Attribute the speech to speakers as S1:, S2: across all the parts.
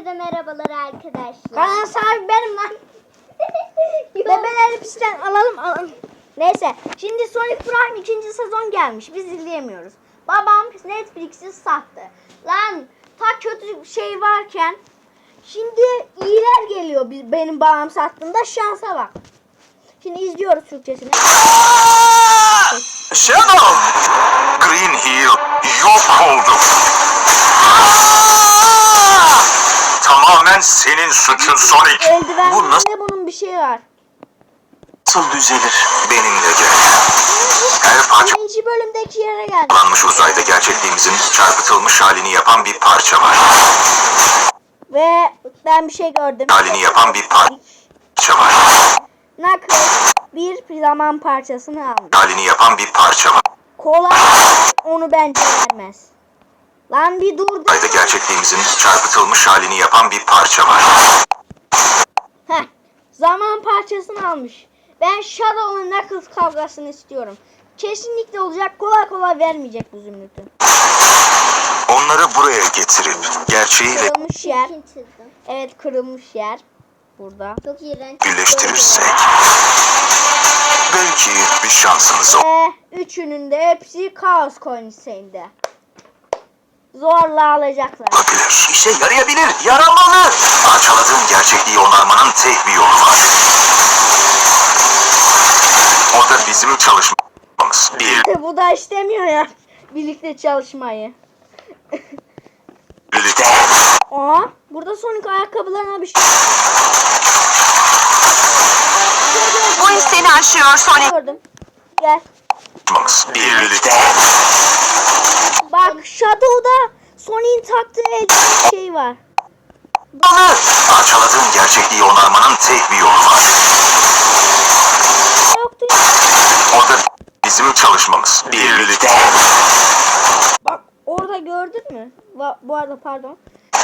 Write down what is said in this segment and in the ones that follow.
S1: de merhabalar arkadaşlar.
S2: Kaan sahibi benim lan. Bebeleri pistten alalım. Neyse şimdi Sonic Prime 2. sezon gelmiş. Biz izleyemiyoruz. Babam Netflix'i sattı. Lan ta kötü şey varken şimdi iyiler geliyor benim babam sattığında, şansa bak. Şimdi izliyoruz Türkçesini.
S3: Shadow! Green Hill yok oldu. Tamamen senin suçun Sonic.
S2: Eldiven
S3: Bu nasıl
S2: bunun bir şeyi var.
S3: düzelir? Benimle gel. Her parça
S2: Birinci bölümdeki yere geldi.
S3: parçalanmış uzayda gerçekliğimizin çarpıtılmış halini yapan bir parça var.
S2: Ve ben bir şey gördüm.
S3: Halini yapan bir parça var.
S2: Knuckles bir zaman parçasını aldı.
S3: Halini yapan bir parça var.
S2: Kolay onu bence vermez. Lan bir dur.
S3: Uzayda gerçekliğimizin çarpıtılmış halini yapan bir parça var.
S2: Heh, zaman parçasını almış. Ben Shadow'la Knuckles kavgasını istiyorum. Kesinlikle olacak. Kolay kolay vermeyecek bu zümrütü.
S3: Onları buraya getirip gerçeğiyle
S2: Kırılmış yer.
S1: Kim çizdi?
S2: Evet, kırılmış yer. Burada.
S1: Çok iğrenç.
S3: birleştirirsek belki bir şansımız
S2: Ve üçünün de hepsi Chaos Coins'inde. Zorla alacaklar.
S3: olabilir. İşe yarayabilir, yaramalı. Parçaladığın gerçekliği onarmanın tek bir yolu var. O da bizim çalışmamız.
S2: Bu da istemiyor ya. Birlikte çalışmayı.
S3: Birlikte
S2: Aa, burada Sonic ayakkabılarına bir şey
S4: Bu iş seni aşıyor Sonic.
S2: gördüm. Gel.
S3: çalışmamız. Birlikte
S2: Bak Shadow'da Sonic'in taktığı eldiven şey var.
S3: parçaladığın gerçekliği onarmanın tek bir yolu var.
S2: Yoktu ya.
S3: O da bizim çalışmamız. Birlikte
S2: Bak orada gördün mü? Bu arada pardon.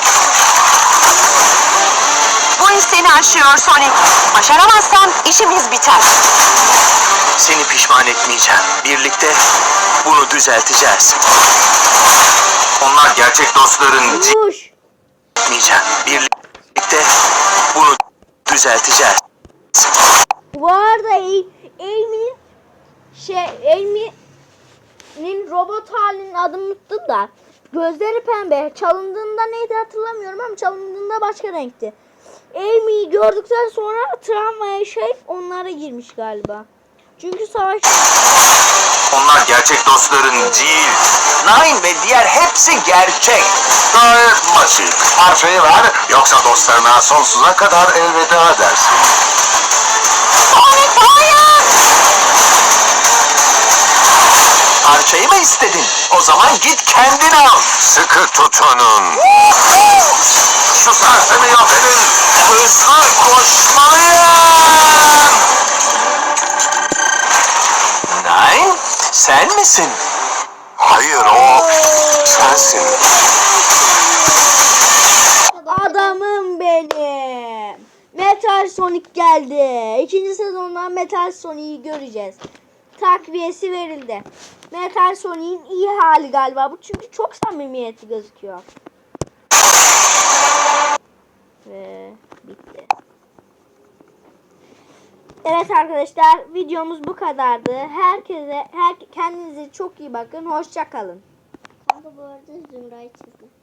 S4: Bu iş seni aşıyor Sonic. Başaramazsan işimiz biter.
S3: seni pişman etmeyeceğim. Birlikte bunu düzelteceğiz. Onlar gerçek dostların
S2: Kuş.
S3: etmeyeceğim. Birlikte bunu düzelteceğiz.
S2: Bu arada Amy'nin robot halinin adını unuttum da gözleri pembe. Çalındığında neydi hatırlamıyorum ama çalındığında başka renkti. Amy'yi gördükten sonra travmaya onlara girmiş galiba. Çünkü savaş...
S3: Onlar gerçek dostların değil. Nine ve diğer hepsi gerçek. Gayet basit. Parçayı ver, yoksa dostlarına sonsuza kadar elveda dersin.
S4: Sonic hayır!
S3: Parçayı mı istedin? O zaman git kendin al. Sıkı tutunun. Şu sersemi yok edin. Hızlı koşmalıyım. Nine, sen misin? Hayır, o sensin.
S2: Adamım benim. Metal Sonic geldi. 2. sezondan Metal Sonic'i göreceğiz. Takviyesi verildi. Metal Sonic'in iyi hali galiba bu, çünkü çok samimiyetli gözüküyor. Ve bitti. Evet arkadaşlar, videomuz bu kadardı. Kendinize çok iyi bakın. Hoşça kalın.
S1: Kanka bu arada Zümra'yı çizdi.